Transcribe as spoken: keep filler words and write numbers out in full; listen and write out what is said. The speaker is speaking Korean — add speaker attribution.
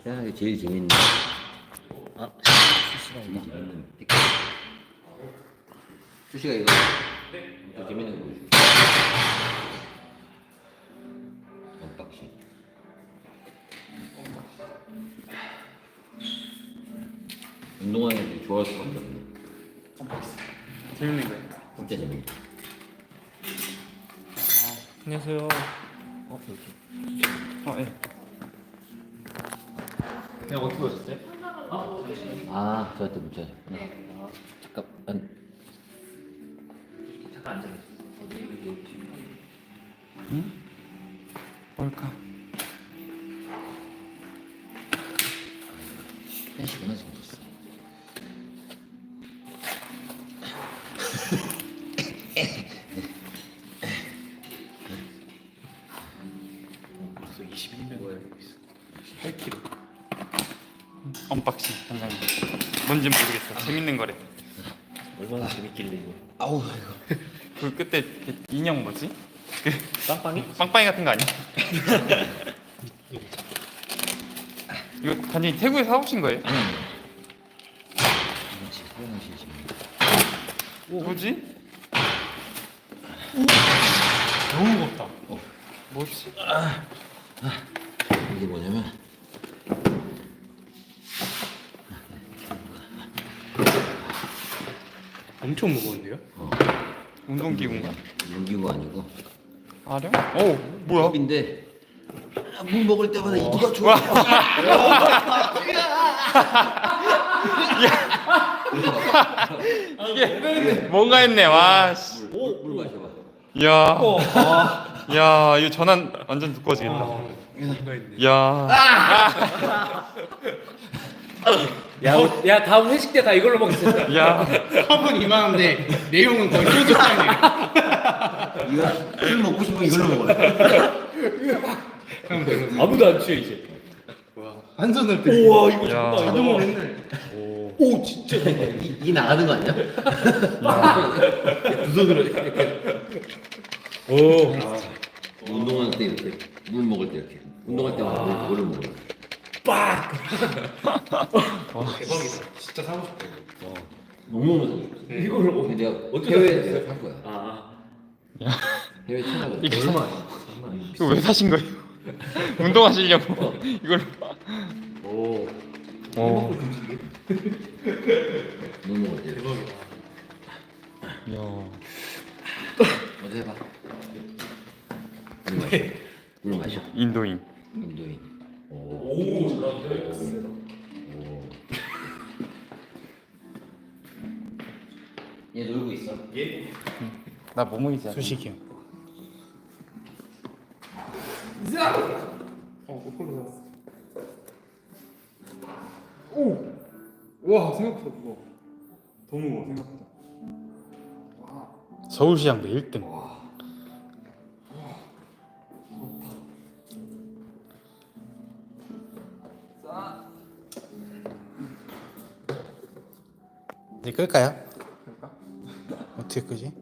Speaker 1: 세상에 제일 재밌는 아 제일 재밌는 피크. 수시가 이거 또 재밌는 거 보여줄게. 언박싱. 운동하는 애들이 좋아할 수밖에 없네.
Speaker 2: 재밌는 거예요.
Speaker 1: 진짜 재밌네.
Speaker 2: 안녕하세요.
Speaker 1: 어 여기.
Speaker 2: 어, 예. 내가 어떻게 오셨어요?
Speaker 1: 아 저한테 문자 줬구나. 잠깐.
Speaker 2: 잠깐 앉아. 응? 뭘까?
Speaker 1: 펜시구나 생겼어.
Speaker 2: 벌써 이십일 년 걸고 있어. 팔 킬로그램. 언박싱 현장님. 뭔진 모르겠어. 재밌는 거래.
Speaker 3: 얼마나 재밌길래 이거.
Speaker 1: 아우 이거.
Speaker 2: 그 그때 그 인형 뭐지? 그
Speaker 3: 빵빵이?
Speaker 2: 빵빵이 같은 거 아니야? 이거 단지 태국에서 사오신 거예요?
Speaker 1: 아니 아니. 이거 지금 사용하실 지금.
Speaker 2: 뭐지?
Speaker 3: 너무 무겁다.
Speaker 2: 뭐지?
Speaker 1: 이게 뭐냐면
Speaker 3: 엄청 무거운데요?
Speaker 1: 어
Speaker 2: 운동기구인가?
Speaker 1: 용기구 아니고
Speaker 2: 아령? 오 뭐야?
Speaker 1: 컵인데 아, 물 먹을 때마다 이가 좋아.
Speaker 2: 이게 뭔가 했네. 와. 씨.
Speaker 1: 물, 물 마셔봐.
Speaker 2: 야. 야 이거 전환 완전 두꺼워지겠다. 야.
Speaker 3: 야, 어, 야 다음 회식 때 다 이걸로 먹겠습니다.
Speaker 2: 야.
Speaker 4: 컵은 이만한데 내용은 거의 소주잔이에요.
Speaker 1: 이거 술 먹고 싶으면 이걸로 먹어요.
Speaker 3: 아무도 안 취해 이제.
Speaker 4: 한 손을 들고.
Speaker 3: 우와 이거
Speaker 2: 야.
Speaker 3: 장난 아니다. 오 진짜.
Speaker 1: 이, 이 나가는 거 아니야?
Speaker 3: 두 손으로 이렇게. 오.
Speaker 1: 운동할 때 이렇게 물 먹을 때 이렇게 운동할 때마다 물, 물을 먹어요.
Speaker 3: 빡.
Speaker 4: 대박이다. 진짜 사고 싶다.
Speaker 1: 너무
Speaker 3: 네. 이거를
Speaker 1: 근데 내가
Speaker 3: 어떻게
Speaker 1: 해외에서
Speaker 3: 샀어요?
Speaker 1: 내가 산 거야.
Speaker 3: 아.
Speaker 1: 해외 찾아가.
Speaker 2: 이게
Speaker 3: 얼마? 장난 아니야.
Speaker 2: 이거 왜 사신 거예요? 운동하시려고 이걸.
Speaker 3: 오.
Speaker 2: 오.
Speaker 1: 물 먹을 때.
Speaker 4: 대박이다.
Speaker 2: 야.
Speaker 1: 어디 해봐. 물 마셔. 물 마셔.
Speaker 2: 인도인.
Speaker 1: 인도인. 오.
Speaker 3: 오. 잘하는데.
Speaker 1: 오. 얘 놀고 있어.
Speaker 3: 예.
Speaker 2: 나 모모이지.
Speaker 4: 수식이요.
Speaker 2: 어, 거꾸로 샀어.
Speaker 4: 오. 와 생각보다 무거워. 더 무거워 생각보다. 서울시장도 일 등. 이제 끌까요? 어떻게 끄지?